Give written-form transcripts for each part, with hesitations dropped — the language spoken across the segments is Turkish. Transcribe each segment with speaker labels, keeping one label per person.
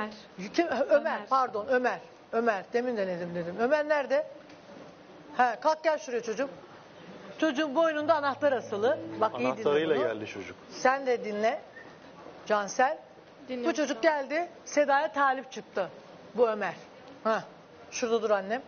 Speaker 1: Ömer.
Speaker 2: Ömer, pardon Ömer. Ömer, demin de dedim. Ömer nerede? He, kalk gel şuraya çocuğum. Çocuğun boynunda anahtar asılı. Bak iyi dinle
Speaker 3: Anahtarıyla
Speaker 2: bunu.
Speaker 3: geldi çocuk.
Speaker 2: Sen de dinle. Cansel.
Speaker 1: Dinliyorum.
Speaker 2: Bu çocuk geldi. Seda'ya talip çıktı. Bu Ömer. Ha, şurada dur annem.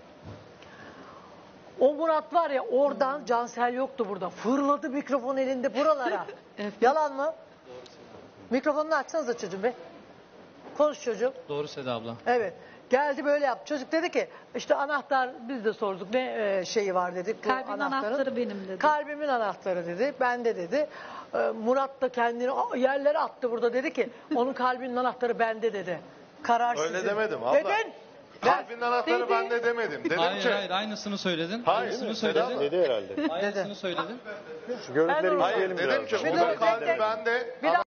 Speaker 2: O Murat var ya oradan Cansel yoktu burada. Fırladı mikrofon elinde buralara.
Speaker 1: Evet.
Speaker 2: Yalan mı? Mikrofonunu açsanıza çocuğum be. Konuş çocuğum.
Speaker 4: Doğru Seda abla.
Speaker 2: Evet. Geldi böyle yaptı. Çocuk dedi ki işte anahtar biz de sorduk ne şeyi var dedik. Bu
Speaker 1: Kalbin anahtarı benim dedi.
Speaker 2: Kalbimin anahtarı dedi. Bende dedi. Murat da kendini yerlere attı burada dedi ki onun kalbinin anahtarı bende dedi. Karar
Speaker 3: Öyle
Speaker 2: sizin.
Speaker 3: demedim abla.
Speaker 2: Dedin.
Speaker 3: Kalbin anahtarı
Speaker 2: Dedi.
Speaker 3: bende demedim. Dedim
Speaker 4: Hayır
Speaker 3: ki.
Speaker 4: hayır aynısını söyledin.
Speaker 3: Hayır,
Speaker 4: Aynısını
Speaker 3: Seda
Speaker 4: söyledin.
Speaker 3: dedi herhalde.
Speaker 4: Aynısını söyledin.
Speaker 3: Şu görüntüleri
Speaker 2: Ben
Speaker 3: izleyelim
Speaker 2: onu-
Speaker 3: Hayır dedim ki
Speaker 2: Bir
Speaker 3: burada
Speaker 2: dur,
Speaker 3: kalbi
Speaker 2: tek-
Speaker 3: bende.
Speaker 2: Bir daha,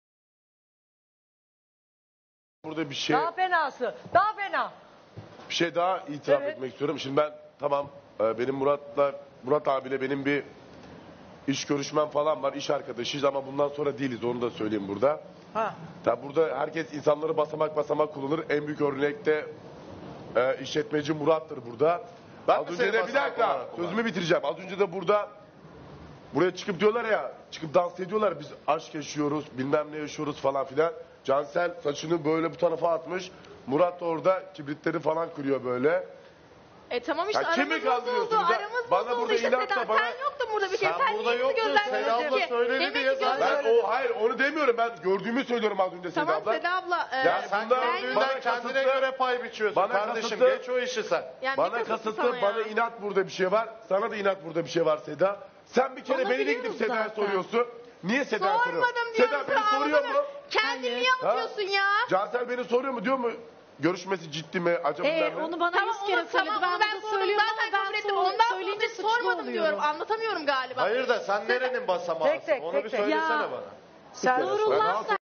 Speaker 5: Burada bir şey
Speaker 2: daha fenası. Daha fena.
Speaker 5: daha itiraf
Speaker 2: Evet.
Speaker 5: etmek istiyorum. Şimdi ben tamam benim Murat abiyle benim bir iş görüşmem falan var. İş arkadaşıyız ama bundan sonra değiliz. Onu da söyleyeyim burada.
Speaker 2: Ha.
Speaker 5: Tabi burada herkes insanları basamak basamak kullanır. En büyük örnekte işletmeci Murat'tır burada.
Speaker 3: Ben
Speaker 5: Az
Speaker 3: mi
Speaker 5: önce
Speaker 3: seni
Speaker 5: de bir
Speaker 3: basamak
Speaker 5: dakika
Speaker 3: olarak
Speaker 5: sözümü bitireceğim. Az önce de buraya çıkıp diyorlar ya, çıkıp dans ediyorlar, biz aşk yaşıyoruz, bilmem ne yaşıyoruz falan filan. Cansel saçını böyle bu tarafa atmış. Murat da orada kibritleri falan kırıyor böyle.
Speaker 6: Tamam işte
Speaker 5: Ya kimi
Speaker 6: aramız bozuldu.
Speaker 5: kandırıyorsunuz ya?
Speaker 6: Aramız
Speaker 5: Bana
Speaker 6: bozuldu
Speaker 5: burada
Speaker 6: işte
Speaker 5: inatla
Speaker 6: Seda.
Speaker 5: bana-
Speaker 6: Sen yoktun burada bir kere.
Speaker 3: Sen burada yoktun, Seda abla söyledi
Speaker 6: Demek
Speaker 3: diye
Speaker 6: ki
Speaker 3: zaten.
Speaker 5: Ben hayır onu demiyorum, ben gördüğümü söylüyorum az önce Seda
Speaker 6: Tamam
Speaker 5: abla.
Speaker 6: Seda abla.
Speaker 5: Ya
Speaker 3: Sen
Speaker 5: bunlar bana
Speaker 3: gördüğünden kendine
Speaker 5: kasıtlı-
Speaker 3: göre pay biçiyorsun
Speaker 5: bana
Speaker 3: kardeşim.
Speaker 5: kasıtlı-
Speaker 3: Geç o işi sen.
Speaker 6: yani
Speaker 5: Bana
Speaker 6: ne
Speaker 5: kasıtlı,
Speaker 6: sana ya?
Speaker 5: bana inat burada bir şey var. Sana da inat burada bir şey var Seda. Sen bir kere
Speaker 6: Onu
Speaker 5: beni de
Speaker 6: biliyoruz
Speaker 5: gidip Seda'ya
Speaker 6: zaten.
Speaker 5: soruyorsun. Niye Seda'ya soruyorsun?
Speaker 6: Sormadım diyorum.
Speaker 5: Seda beni soruyor mu?
Speaker 6: Kendini
Speaker 1: Hayır.
Speaker 6: yanıltıyorsun ya.
Speaker 5: Cansel beni soruyor mu, diyor mu? Görüşmesi ciddi mi? Acaba bilmem ne?
Speaker 1: Onu bana
Speaker 6: Tamam
Speaker 1: 100 kere
Speaker 6: onu
Speaker 1: söyledi.
Speaker 6: tamam onu ben
Speaker 1: burada
Speaker 6: sordum.
Speaker 1: söylüyorum
Speaker 6: Zaten
Speaker 1: ama
Speaker 6: kabul
Speaker 1: ben
Speaker 6: ettim. Ondan sonra
Speaker 1: söyleyince
Speaker 6: da
Speaker 1: suçlu
Speaker 6: sormadım
Speaker 1: oluyorum.
Speaker 6: diyorum. Anlatamıyorum galiba.
Speaker 3: Hayır da sen nerenin basamağısın?
Speaker 2: Tek tek,
Speaker 3: Onu
Speaker 2: tek
Speaker 3: bir
Speaker 2: tek.
Speaker 3: söylesene
Speaker 1: Ya.
Speaker 3: bana.
Speaker 2: Sen
Speaker 1: Nurullah sen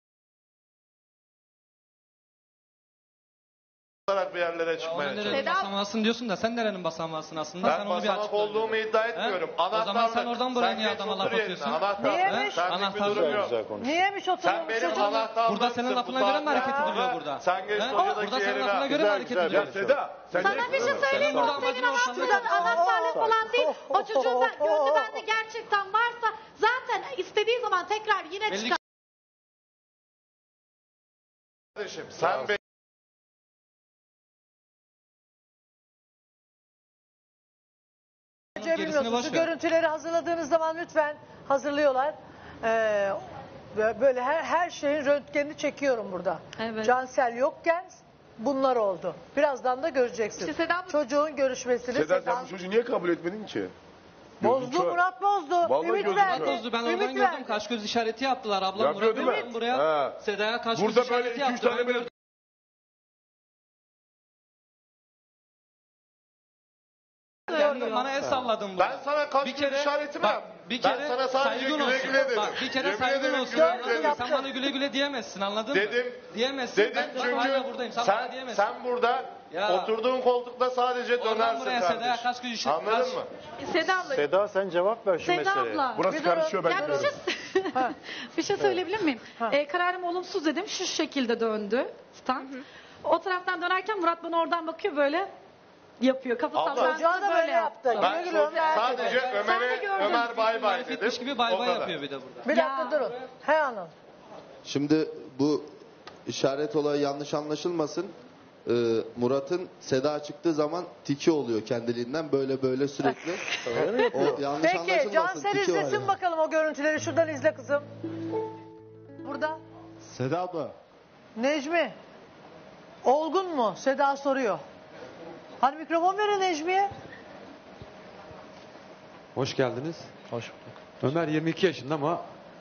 Speaker 3: Olarak bir yerlere
Speaker 4: Onun
Speaker 3: çıkmaya
Speaker 4: nerenin
Speaker 3: çalışıyorum.
Speaker 6: Seda-
Speaker 4: basamağısın diyorsun da sen nerenin basamağısın aslında?
Speaker 3: Ben
Speaker 4: sen onu bir
Speaker 3: basamak
Speaker 4: açıkla.
Speaker 3: olduğumu iddia etmiyorum.
Speaker 4: He? O zaman sen
Speaker 3: Anahtarlık.
Speaker 4: oradan buraya niye
Speaker 3: geç
Speaker 4: adama
Speaker 3: otur
Speaker 4: laf
Speaker 3: yerine.
Speaker 4: atıyorsun?
Speaker 3: Anahtar.
Speaker 2: Niyemiş?
Speaker 3: Senlik bir
Speaker 4: Anahtarlık.
Speaker 3: durum yok.
Speaker 2: Niyeymiş
Speaker 3: Sen
Speaker 2: oturmuş
Speaker 3: benim
Speaker 2: çocuğum?
Speaker 3: anahtarlığımsın.
Speaker 4: Burada senin
Speaker 3: bu
Speaker 4: lafına göre mi
Speaker 3: saatte.
Speaker 4: hareket ediliyor burada?
Speaker 3: Sen geç
Speaker 4: He?
Speaker 3: locadaki
Speaker 4: Burada senin
Speaker 3: yerine.
Speaker 4: lafına göre mi hareket
Speaker 5: Ya
Speaker 4: ediliyor?
Speaker 5: Seda, sen
Speaker 1: sana bir şey söyleyeyim mi?
Speaker 4: Burada
Speaker 1: O senin
Speaker 4: amacın ortalığı
Speaker 1: anahtarın
Speaker 4: karıştırmak.
Speaker 1: anahtarlık falan değil. O çocuğun gözü bende gerçekten varsa zaten istediği zaman tekrar yine
Speaker 4: Belli
Speaker 1: çıkar.
Speaker 3: Kardeşim sen be
Speaker 2: Gerisini
Speaker 4: Gerisini boş
Speaker 2: Şu
Speaker 4: ver.
Speaker 2: görüntüleri hazırladığınız zaman lütfen hazırlıyorlar. Böyle her şeyin röntgenini çekiyorum burada.
Speaker 1: Evet.
Speaker 2: Cansel yokken bunlar oldu. Birazdan da göreceksin.
Speaker 6: İşte Seda bu-
Speaker 2: Çocuğun görüşmesini
Speaker 5: Seda
Speaker 2: Seda
Speaker 5: sen bu çocuğu niye kabul etmedin ki?
Speaker 2: bozdu,
Speaker 5: Gözü kör.
Speaker 2: Murat bozdu.
Speaker 5: Vallahi
Speaker 2: Ümit
Speaker 5: gözü
Speaker 2: verdi.
Speaker 5: kör.
Speaker 4: Bozdu, ben
Speaker 2: Ümit
Speaker 4: oradan
Speaker 2: verdi.
Speaker 4: gördüm. Kaş göz işareti yaptılar. Ablam
Speaker 5: Yapıyor
Speaker 4: Murat
Speaker 5: değil mi?
Speaker 4: gördüm buraya.
Speaker 5: Ha.
Speaker 4: Seda'ya kaş göz
Speaker 5: Burada böyle
Speaker 4: işareti
Speaker 5: 2-3
Speaker 4: yaptı.
Speaker 5: tane
Speaker 4: Ben
Speaker 5: böyle
Speaker 4: gördüm. Kendin bana el salladın burada.
Speaker 3: Ben sana kaç
Speaker 4: Bir
Speaker 3: gün
Speaker 4: kere-
Speaker 3: işareti mi
Speaker 4: bak,
Speaker 3: yaptım?
Speaker 4: bir
Speaker 3: Ben
Speaker 4: kere
Speaker 3: sana sadece
Speaker 4: saygın
Speaker 3: güle
Speaker 4: olsun.
Speaker 3: güle dedim.
Speaker 4: Bak, bir kere
Speaker 3: Yemin
Speaker 4: saygın
Speaker 3: ederim
Speaker 4: olsun.
Speaker 3: güle
Speaker 4: Anladın
Speaker 3: güle
Speaker 4: mı?
Speaker 3: dedim.
Speaker 4: Sen bana güle güle diyemezsin, anladın
Speaker 3: Dedim.
Speaker 4: mı? Diyemezsin.
Speaker 3: Dedim
Speaker 4: Ben
Speaker 3: çünkü
Speaker 4: hala buradayım. Sen, bana diyemezsin.
Speaker 3: sen burada
Speaker 4: Ya.
Speaker 3: oturduğun koltukta sadece
Speaker 4: Oradan
Speaker 3: dönersin
Speaker 4: buraya Seda'ya
Speaker 3: kardeşim.
Speaker 4: kaç gün işareti.
Speaker 3: Anladın mı?
Speaker 6: Seda abla.
Speaker 3: Seda sen cevap ver şu
Speaker 1: Seda abla.
Speaker 5: Burası
Speaker 2: Bir durun.
Speaker 5: karışıyor ben
Speaker 1: Ya bir
Speaker 5: görüyorum.
Speaker 1: şey, bir şey söyleyebilir miyim?
Speaker 2: Ha.
Speaker 1: Kararım olumsuz dedim. Şu şekilde döndü stand. O taraftan dönerken Murat bana oradan bakıyor böyle yapıyor. Kafası
Speaker 3: Abla.
Speaker 1: sallandı,
Speaker 2: Çocuğa da böyle yaptı.
Speaker 3: Ben
Speaker 2: Güle güle Ömer
Speaker 3: sadece
Speaker 2: dedi.
Speaker 3: Ömer'e
Speaker 1: gördün.
Speaker 3: Ömer bay bay dedim.
Speaker 4: Marifetmiş gibi bay
Speaker 3: O
Speaker 4: bay
Speaker 3: kadar.
Speaker 4: yapıyor bir de burada.
Speaker 2: Bir dakika
Speaker 1: Ya.
Speaker 2: durun. He hanım.
Speaker 7: Şimdi bu işaret olayı yanlış anlaşılmasın. Murat'ın Seda çıktığı zaman tiki oluyor kendiliğinden böyle sürekli. O yanlış
Speaker 2: Peki
Speaker 7: anlaşılmasın.
Speaker 2: Cansel
Speaker 7: tiki var
Speaker 2: izlesin
Speaker 7: yani.
Speaker 2: bakalım o görüntüleri. Şuradan izle kızım. Burada.
Speaker 8: Seda abla.
Speaker 2: Necmi. Olgun mu? Seda soruyor. Hani mikrofon verin Necmi'ye.
Speaker 8: Hoş geldiniz.
Speaker 4: Hoş bulduk.
Speaker 8: Ömer 22 yaşında ama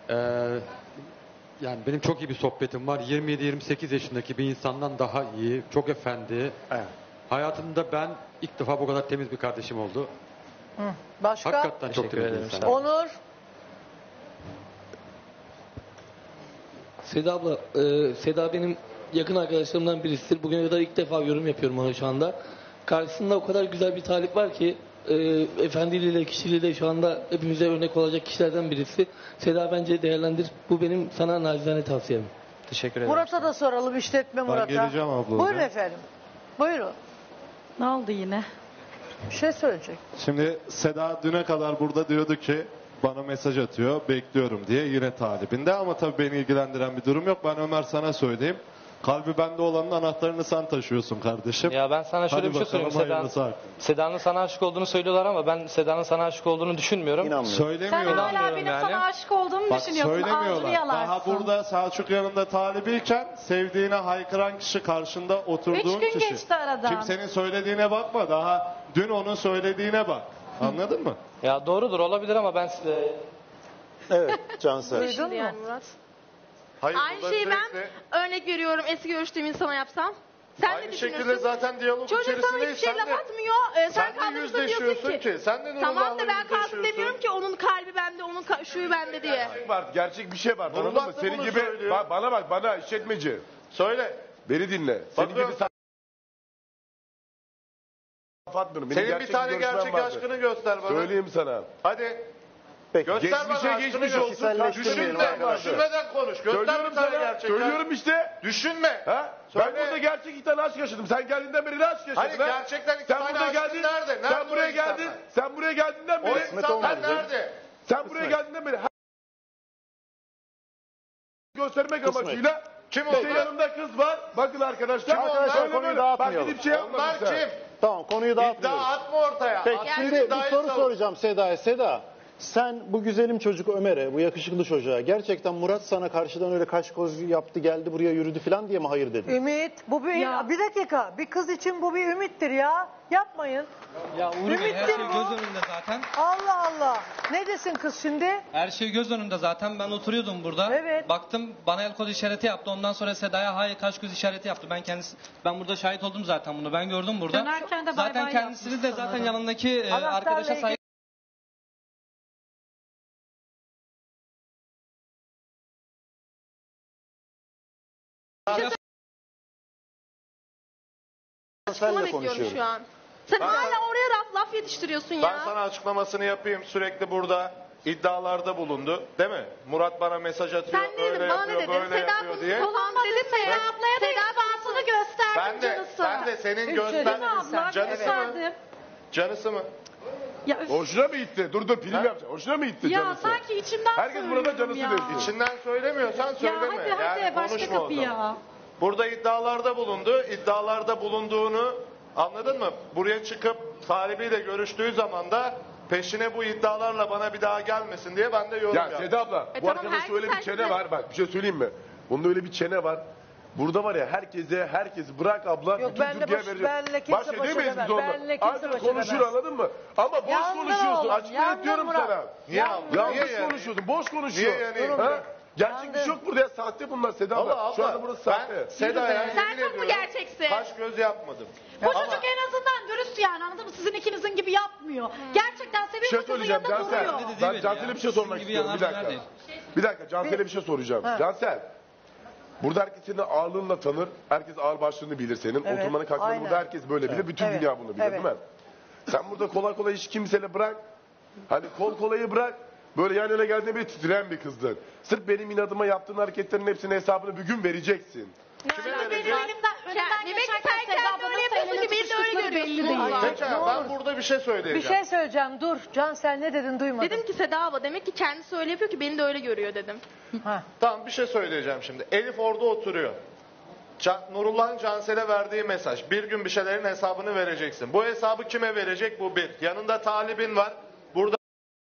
Speaker 8: yani benim çok iyi bir sohbetim var. 27-28 yaşındaki bir insandan daha iyi. Çok efendi.
Speaker 5: Evet.
Speaker 8: Hayatımda ben ilk defa bu kadar temiz bir kardeşim oldu.
Speaker 2: Başka?
Speaker 8: Hakikaten çok
Speaker 4: Teşekkür
Speaker 8: temiz bir
Speaker 4: ederim,
Speaker 8: insan.
Speaker 4: sağ ol.
Speaker 2: Onur.
Speaker 9: Seda abla, Seda benim yakın arkadaşlarımdan birisidir. Bugüne kadar ilk defa yorum yapıyorum ona şu anda. Karşısında o kadar güzel bir talip var ki, efendiliğiyle, kişiliğiyle şu anda hepimize örnek olacak kişilerden birisi. Seda bence değerlendir. Bu benim sana nacizane tavsiyem.
Speaker 4: Teşekkür ederim.
Speaker 2: Murat'a da soralım, işletme Murat'a.
Speaker 10: geleceğim abla
Speaker 2: Buyurun
Speaker 10: oraya.
Speaker 2: efendim. Buyurun.
Speaker 1: Ne oldu yine?
Speaker 2: Bir şey söyleyecek.
Speaker 10: Şimdi Seda düne kadar burada diyordu ki bana mesaj atıyor, bekliyorum diye yine talibinde, ama tabii beni ilgilendiren bir durum yok. Ben Ömer sana söyleyeyim. Kalbi bende olanın anahtarını sen taşıyorsun kardeşim.
Speaker 9: Ya ben sana şöyle
Speaker 10: Hadi
Speaker 9: bir şey söyleyeyim.
Speaker 10: bakalım,
Speaker 9: Seda,
Speaker 10: hayırlısı hakkı.
Speaker 9: Seda'nın sana aşık olduğunu söylüyorlar ama ben Seda'nın sana aşık olduğunu düşünmüyorum.
Speaker 1: Sen
Speaker 10: Söylemiyorlar.
Speaker 1: hala
Speaker 9: İnanmıyorum
Speaker 1: benim
Speaker 9: yani.
Speaker 1: sana aşık olduğumu
Speaker 10: Bak
Speaker 1: düşünüyorsun. Ağzını
Speaker 10: söylemiyorlar.
Speaker 1: yalarsın.
Speaker 10: Daha burada Selçuk yanında talibiyken sevdiğine haykıran kişi, karşında oturduğun
Speaker 1: 3 gün
Speaker 10: kişi.
Speaker 1: geçti aradan.
Speaker 10: Kimsenin söylediğine bakma. Daha dün onun söylediğine bak. Anladın mı?
Speaker 9: Ya doğrudur, olabilir ama ben size...
Speaker 3: Evet Cansel.
Speaker 2: Duydun
Speaker 6: Şimdi
Speaker 2: mu?
Speaker 6: yani Murat.
Speaker 3: Hayır,
Speaker 6: Aynı
Speaker 3: burada
Speaker 6: şeyi ben
Speaker 3: sürekli-
Speaker 6: örnek veriyorum eski görüştüğüm insana yapsam. Sen ne
Speaker 3: Aynı
Speaker 6: düşünürsün?
Speaker 3: şekilde zaten diyalog
Speaker 6: Çocuk sana
Speaker 3: içerisindeyiz.
Speaker 6: hiçbir şey laf atmıyor. Sen
Speaker 3: sen de
Speaker 6: kaldığında diyorsun
Speaker 3: yüzleşiyorsun
Speaker 6: ki.
Speaker 3: ki. Sen de
Speaker 6: Tamam
Speaker 3: Nurullah'la
Speaker 6: da ben kalkıp
Speaker 3: yüzleşiyorsun.
Speaker 6: demiyorum ki onun kalbi bende, onun şuyu bende diye.
Speaker 5: Var, gerçek bir şey var. Anladın
Speaker 3: Nurullah
Speaker 5: mı?
Speaker 3: da
Speaker 5: Senin
Speaker 3: bunu
Speaker 5: gibi
Speaker 3: söylüyor.
Speaker 5: bana bak, bana işletmeci.
Speaker 3: Söyle.
Speaker 5: Beni dinle. Senin
Speaker 3: Bakıyorum.
Speaker 5: gibi atmıyorum. Benim
Speaker 3: Senin
Speaker 5: gerçek
Speaker 3: bir tane
Speaker 5: görüşmem
Speaker 3: gerçek
Speaker 5: vardı.
Speaker 3: aşkını göster bana.
Speaker 5: Söyleyeyim sana.
Speaker 3: Hadi. Göster bana
Speaker 5: Geçmişe
Speaker 3: aşkını
Speaker 5: geçmiş
Speaker 3: göster.
Speaker 5: olsun.
Speaker 3: Düşünmeden konuş. Göster
Speaker 5: Söylüyorum
Speaker 3: bir tane
Speaker 5: sana.
Speaker 3: gerçek.
Speaker 5: Söylüyorum işte.
Speaker 3: Düşünme.
Speaker 5: Ha?
Speaker 3: Söyle.
Speaker 5: Ben burada gerçek iki tane aşk yaşadım. Sen geldiğinden beri ne aşk yaşadın?
Speaker 3: Hayır,
Speaker 5: ha?
Speaker 3: gerçekten iki
Speaker 5: Sen
Speaker 3: tane
Speaker 5: burada
Speaker 3: aşkın
Speaker 5: geldin.
Speaker 3: nerede? Nerede
Speaker 5: Sen
Speaker 3: o
Speaker 5: buraya
Speaker 3: insanlar?
Speaker 5: geldin. Sen buraya geldiğinden
Speaker 3: O
Speaker 5: beri.
Speaker 3: insanlar nerede?
Speaker 5: Sen buraya geldiğinden beri. Göstermek amacıyla.
Speaker 3: Kim
Speaker 5: İşte
Speaker 3: onlar?
Speaker 5: yanımda kız var. Bakın arkadaşlar.
Speaker 3: Kim onlar?
Speaker 5: Böyle böyle. Bak gidip şey yapma.
Speaker 3: Onlar kim?
Speaker 11: Tamam, konuyu
Speaker 3: İddia
Speaker 11: dağıtmıyoruz.
Speaker 3: atma ortaya.
Speaker 11: Peki
Speaker 3: Atma,
Speaker 11: şimdi bir
Speaker 3: iddiayı
Speaker 11: soru
Speaker 3: savun.
Speaker 11: soracağım Seda'ya. Seda, sen bu güzelim çocuk Ömer'e, bu yakışıklı çocuğa gerçekten Murat sana karşıdan öyle kaş göz yaptı, geldi buraya yürüdü falan diye mi hayır dedin?
Speaker 2: Ümit, bu bir,
Speaker 1: Ya.
Speaker 2: bir dakika. Bir kız için bu bir ümittir ya. Yapmayın.
Speaker 4: Ya Uğur Bey, her
Speaker 2: Ümittir
Speaker 4: şey
Speaker 2: bu.
Speaker 4: göz önünde zaten.
Speaker 2: Allah Allah. Ne desin kız şimdi?
Speaker 4: Her şey göz önünde zaten. Ben oturuyordum burada.
Speaker 2: Evet.
Speaker 4: Baktım bana el kol işareti yaptı. Ondan sonra Seda'ya hayır kaş göz işareti yaptı. Ben burada şahit oldum zaten bunu. Ben gördüm burada.
Speaker 1: Dönerken de bay
Speaker 4: Zaten
Speaker 1: bay
Speaker 4: kendisini de
Speaker 1: yapmış
Speaker 4: zaten
Speaker 1: sanırım.
Speaker 4: yanındaki
Speaker 2: Anahtarla
Speaker 4: arkadaşa
Speaker 2: ilgili-
Speaker 4: saygı
Speaker 6: Açıklama
Speaker 11: Senle
Speaker 6: bekliyorum
Speaker 11: konuşuyorum.
Speaker 6: şu an. Sen hala oraya laf yetiştiriyorsun ya.
Speaker 3: Ben sana açıklamasını yapayım. Sürekli burada iddialarda bulundu. Değil mi? Murat bana mesaj atıyor.
Speaker 6: Sen ne
Speaker 3: öyle
Speaker 6: dedin? Bana ne
Speaker 3: yapıyor,
Speaker 6: dedin?
Speaker 3: böyle
Speaker 6: Seda
Speaker 3: yapıyor diye.
Speaker 6: Tamam dedim mi?
Speaker 1: Seda ablaya da ispatını gösterdim
Speaker 3: Ben de senin
Speaker 2: Üç
Speaker 3: göster...
Speaker 2: dedin
Speaker 1: Abla
Speaker 3: Canısı mı?
Speaker 1: gösterdim.
Speaker 3: Canısı mı?
Speaker 1: Ya, üf.
Speaker 5: Hoşuna mı gitti? Dur prim yapacağım. Hoşuna mı gitti
Speaker 1: Ya
Speaker 5: canısı?
Speaker 1: sanki içimden
Speaker 5: Herkes burada
Speaker 1: söylüyorum
Speaker 5: canısı
Speaker 1: ya.
Speaker 5: diyor.
Speaker 3: İçinden söylemiyorsan
Speaker 1: Ya
Speaker 3: söyleme.
Speaker 1: hadi başka
Speaker 3: konuşma o
Speaker 1: kapı
Speaker 3: zaman.
Speaker 1: ya.
Speaker 3: Burada iddialarda bulundu. İddialarda bulunduğunu anladın mı? Buraya çıkıp sahibiyle görüştüğü zaman da peşine bu iddialarla bana bir daha gelmesin diye ben de yorum
Speaker 5: Ya
Speaker 3: yaptım.
Speaker 5: Seda abla bu
Speaker 6: tamam,
Speaker 5: arkadaşta öyle bir
Speaker 6: herkes
Speaker 5: çene var. Bak bir şey söyleyeyim mi? Bunda öyle bir çene var. Burada var ya herkesi bırak abla.
Speaker 2: Yok,
Speaker 5: bütün
Speaker 2: benle
Speaker 5: Türkiye
Speaker 2: baş-
Speaker 5: verecek.
Speaker 2: benle kimse
Speaker 5: Baş
Speaker 2: baş
Speaker 5: edemeyiz
Speaker 2: edemez.
Speaker 5: biz onunla.
Speaker 2: Benle kimse
Speaker 5: Ancak
Speaker 2: baş
Speaker 5: konuşur
Speaker 2: edemez.
Speaker 5: anladın mı? Ama boş
Speaker 2: Yandın
Speaker 5: konuşuyorsun.
Speaker 2: oğlum,
Speaker 5: Açık
Speaker 2: yandın
Speaker 5: net diyorum
Speaker 2: Murat.
Speaker 5: sana.
Speaker 3: Niye yandın?
Speaker 5: Yanlış
Speaker 3: Niye yani?
Speaker 5: konuşuyorsun. Boş konuşuyor.
Speaker 3: Niye yanayım
Speaker 5: Ha?
Speaker 3: ben?
Speaker 5: Gerçek bir şey yok burada ya. Sahte bunlar Seda abla.
Speaker 3: Allah
Speaker 5: Şu
Speaker 3: Allah.
Speaker 5: anda burası sahte.
Speaker 3: Ben Seda'ya
Speaker 6: Sen
Speaker 3: yemin
Speaker 6: çok mu
Speaker 3: ediyorum,
Speaker 6: gerçeksin?
Speaker 3: kaş göz yapmadım.
Speaker 1: Bu çocuk en azından dürüst yani, anladın mı? Sizin ikinizin gibi yapmıyor. Gerçekten
Speaker 5: Bir
Speaker 1: seviyor
Speaker 5: şey
Speaker 1: mu kızın
Speaker 5: söyleyeceğim
Speaker 1: yanında
Speaker 5: Cansel.
Speaker 1: duruyor.
Speaker 4: Dedi
Speaker 5: Ben
Speaker 4: değil
Speaker 5: Cansel'e
Speaker 4: ya.
Speaker 5: bir şey sormak
Speaker 4: Sizin gibi
Speaker 5: istiyorum. Bir
Speaker 4: yanar
Speaker 5: dakika.
Speaker 4: değil.
Speaker 5: Bir dakika Cansel'e bir şey soracağım.
Speaker 2: Ha.
Speaker 5: Cansel. Burada herkes seni ağırlığınla tanır. Herkes ağır başlığını bilir senin.
Speaker 2: Evet,
Speaker 5: Oturmanı kalkmanı
Speaker 2: aynen.
Speaker 5: burada herkes böyle bilir. Bütün
Speaker 2: Evet,
Speaker 5: dünya bunu bilir
Speaker 2: evet.
Speaker 5: değil mi? Sen burada kolay kolay hiç kimseyle bırak. Hani kol kolayı bırak. Böyle yan yana geldiğinde bir titreyen bir kızdın. Sırf benim inadıma yaptığın hareketlerin hepsinin hesabını bir gün vereceksin.
Speaker 3: Kime
Speaker 1: Benim
Speaker 3: verecek?
Speaker 1: önümden
Speaker 6: Demek ki
Speaker 1: geçerken
Speaker 6: sen
Speaker 1: Seda
Speaker 6: kendini
Speaker 1: ablanın
Speaker 6: öyle yapıyorsun
Speaker 1: elini
Speaker 6: ki beni de öyle
Speaker 1: tutuştukları belli
Speaker 6: görüyorsun.
Speaker 1: değil.
Speaker 6: Allah.
Speaker 3: Peki
Speaker 2: Ne
Speaker 3: ben
Speaker 2: olur.
Speaker 3: burada bir şey söyleyeceğim.
Speaker 2: Bir şey söyleyeceğim. Dur. Cansel ne dedin duymadım.
Speaker 6: Dedim ki Seda abla demek ki kendisi öyle yapıyor ki beni de öyle görüyor dedim.
Speaker 2: Ha.
Speaker 3: Tamam bir şey söyleyeceğim şimdi. Elif orada oturuyor. Nurullah'ın Cansel'e verdiği mesaj. Bir gün bir şeylerin hesabını vereceksin. Bu hesabı kime verecek? Bu bir. Yanında talibin var. Burada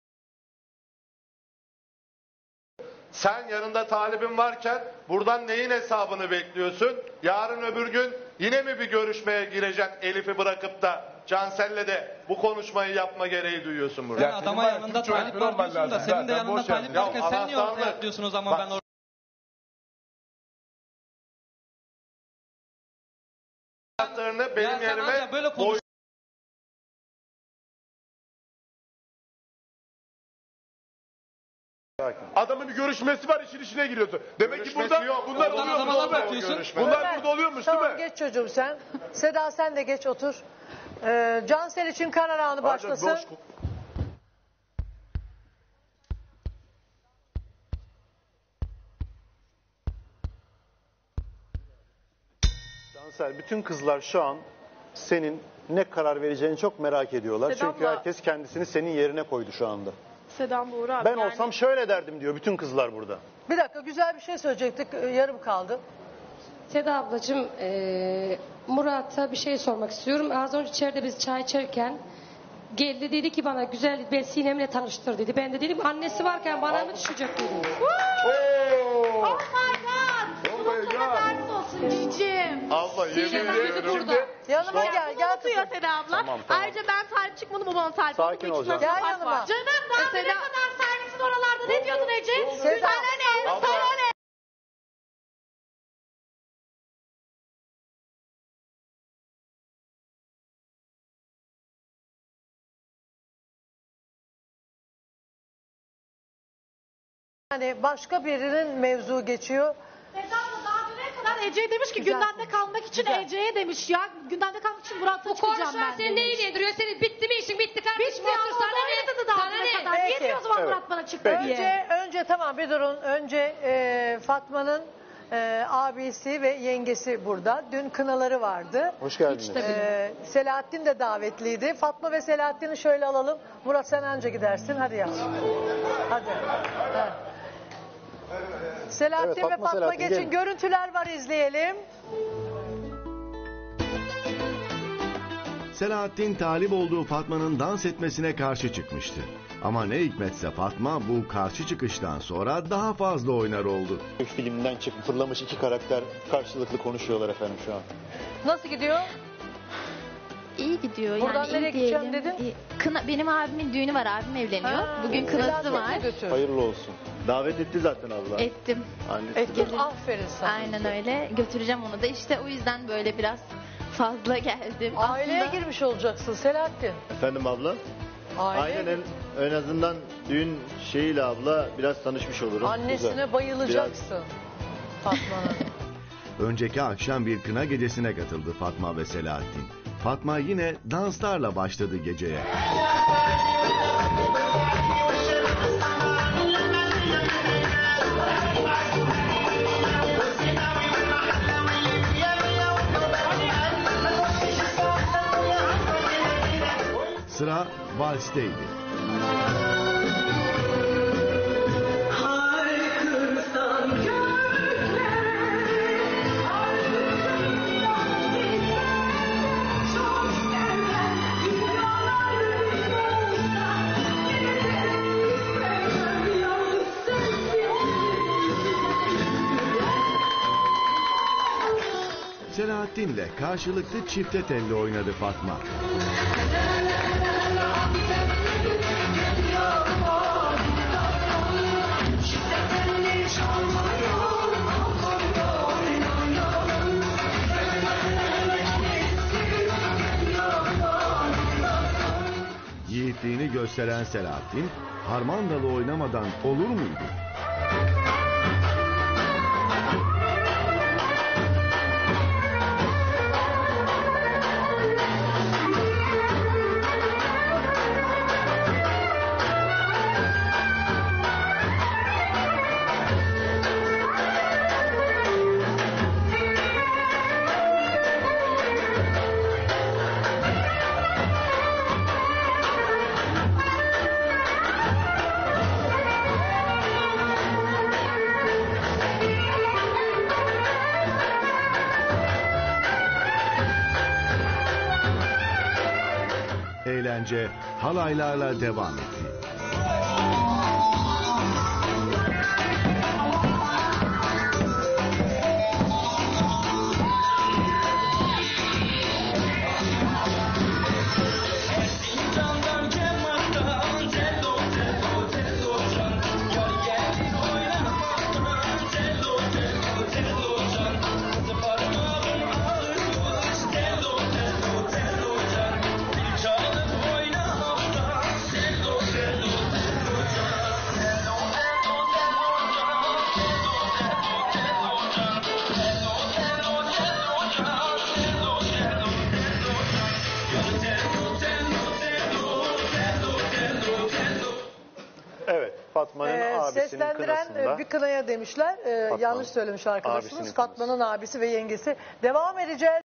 Speaker 3: sen yanında talibin varken buradan neyin hesabını bekliyorsun? Yarın öbür gün yine mi bir görüşmeye gireceksin Elif'i bırakıp da Cansel'le de bu konuşmayı yapma gereği duyuyorsun burada?
Speaker 4: Sen
Speaker 5: Ya senin
Speaker 4: adama
Speaker 5: var ya,
Speaker 4: yanında
Speaker 5: Türkçe
Speaker 4: talip
Speaker 5: öğretmen
Speaker 4: var
Speaker 5: olman
Speaker 4: diyorsun da
Speaker 5: lazım.
Speaker 4: senin de
Speaker 5: Zaten
Speaker 4: yanında
Speaker 5: boş
Speaker 4: talip
Speaker 5: ver.
Speaker 4: varken sen niye ortaya
Speaker 3: anahtarlık.
Speaker 4: atlıyorsun o zaman
Speaker 3: Bak.
Speaker 4: ben orada...
Speaker 3: Anahtarını benim
Speaker 4: Ya sen
Speaker 3: yerime
Speaker 4: ancak böyle konuş.
Speaker 5: Adamın bir görüşmesi var, işin içine giriyorsun. Demek ki
Speaker 3: Görüşmesi
Speaker 5: burada
Speaker 3: yok.
Speaker 5: bunlar
Speaker 3: Oradan
Speaker 5: oluyormuş
Speaker 4: adama laf
Speaker 5: değil mi?
Speaker 4: atıyorsun.
Speaker 3: Görüşme.
Speaker 5: Bunlar
Speaker 2: Ömer,
Speaker 5: burada oluyormuş değil
Speaker 2: tamam,
Speaker 5: mi?
Speaker 2: geç çocuğum sen. Seda sen de geç otur. Cansel için karar anı
Speaker 5: Ancak
Speaker 2: başlasın.
Speaker 5: boş
Speaker 11: Cansel, bütün kızlar şu an senin ne karar vereceğini çok merak ediyorlar.
Speaker 6: Seda
Speaker 11: Çünkü
Speaker 6: abla-
Speaker 11: herkes kendisini senin yerine koydu şu anda.
Speaker 6: Sedan Buğra abi.
Speaker 11: Ben
Speaker 6: yani
Speaker 11: olsam şöyle derdim diyor bütün kızlar burada.
Speaker 2: Bir dakika, güzel bir şey söyleyecektik. Yarım kaldı.
Speaker 12: Seda ablacığım, Murat'a bir şey sormak istiyorum. Az önce içeride biz çay içerken geldi, dedi ki bana güzel bir Sinem'le tanıştır dedi. Ben de dedim annesi varken bana mı düşecek dedim.
Speaker 6: Oh my god. Unutma ders olsun cicim.
Speaker 3: Abla yemin
Speaker 12: Sinem
Speaker 3: ediyorum.
Speaker 12: burada.
Speaker 2: Yanıma gel, gel
Speaker 6: Unutuyor
Speaker 2: kızım.
Speaker 6: Seda abla.
Speaker 11: Tamam, tamam.
Speaker 6: Ayrıca ben talip çıkmadım, o bana talip
Speaker 11: Sakin
Speaker 6: oldu. Bu
Speaker 11: ol
Speaker 6: ikisinden
Speaker 11: canım.
Speaker 2: Gel
Speaker 6: fark
Speaker 2: yanıma.
Speaker 6: var. Canım daha
Speaker 2: Mesela-
Speaker 6: ne kadar servisin oralarda ne diyordun Ece?
Speaker 2: Seda-
Speaker 6: Sana ne?
Speaker 3: Abla-
Speaker 6: Sana ne?
Speaker 2: Yani başka birinin mevzu geçiyor.
Speaker 1: Seda abla daha düne kadar Ece'ye demiş ki
Speaker 2: Güzel.
Speaker 1: gündemde kalmak için
Speaker 2: Güzel.
Speaker 1: Ece'ye demiş ya. Gündemde kalmak için Murat'la
Speaker 12: Bu
Speaker 1: çıkacağım
Speaker 12: konuşan
Speaker 1: ben
Speaker 12: seni
Speaker 1: demiş.
Speaker 12: ne ilgilendiriyor? Senin bitti mi işin? Bitti kardeşim.
Speaker 1: Bitti
Speaker 12: Otur
Speaker 1: ama
Speaker 12: sana
Speaker 1: o da
Speaker 12: ne?
Speaker 1: öyle dedi daha
Speaker 12: Sana
Speaker 1: düne
Speaker 12: ne?
Speaker 1: kadar. Niye
Speaker 2: Peki.
Speaker 1: diyor o zaman
Speaker 11: Evet.
Speaker 1: Murat bana çıktı diye.
Speaker 2: Önce tamam bir durun. Önce Fatma'nın abisi ve yengesi burada. Dün kınaları vardı.
Speaker 11: Hoş geldiniz.
Speaker 2: Selahattin de davetliydi. Fatma ve Selahattin'i şöyle alalım. Murat sen anca gidersin. Hadi yavrum. Hadi. Evet. Selahattin
Speaker 11: Evet,
Speaker 2: ve
Speaker 11: Fatma,
Speaker 2: Fatma
Speaker 11: Selahattin,
Speaker 2: geçin.
Speaker 11: gelin.
Speaker 2: Görüntüler var, izleyelim.
Speaker 13: Selahattin talip olduğu Fatma'nın dans etmesine karşı çıkmıştı. Ama ne hikmetse Fatma bu karşı çıkıştan sonra daha fazla oynar oldu.
Speaker 11: Filmden çıkıp fırlamış iki karakter karşılıklı konuşuyorlar efendim şu an.
Speaker 2: Nasıl gidiyor?
Speaker 14: İyi gidiyor.
Speaker 2: Buradan
Speaker 14: yani
Speaker 2: nereye
Speaker 14: iyi
Speaker 2: gideceğim
Speaker 14: diyelim.
Speaker 2: dedin?
Speaker 14: Benim abimin düğünü var. Abim evleniyor.
Speaker 2: Ha,
Speaker 14: Bugün kınası
Speaker 2: Selahattin'i
Speaker 14: var.
Speaker 2: götür.
Speaker 11: Hayırlı olsun. Davet etti zaten abla.
Speaker 14: Ettim.
Speaker 11: Annesi de.
Speaker 2: Gelirim. Aferin sana.
Speaker 14: Aynen öyle. Götüreceğim onu da. İşte o yüzden böyle biraz fazla geldim.
Speaker 2: Aileye
Speaker 14: Aslında
Speaker 2: girmiş olacaksın Selahattin.
Speaker 11: Efendim abla?
Speaker 2: Aile.
Speaker 11: en azından düğün şeyiyle abla biraz tanışmış olurum.
Speaker 2: Annesine bayılacaksın Fatma'nın.
Speaker 13: Önceki akşam bir kına gecesine katıldı Fatma ve Selahattin. Fatma yine danslarla başladı geceye. Sıra valsteydi. Selahattin'le karşılıklı çifte telli oynadı Fatma. Yiğitliğini gösteren Selahattin, harmandalı oynamadan olur muydu? Eğlence halaylarla devam etti.
Speaker 2: Seslendiren
Speaker 11: kınasında.
Speaker 2: bir kınaya demişler. Yanlış söylemiş arkadaşımız.
Speaker 11: Abisinin
Speaker 2: Fatma'nın abisi ve yengesi. Devam edeceğiz.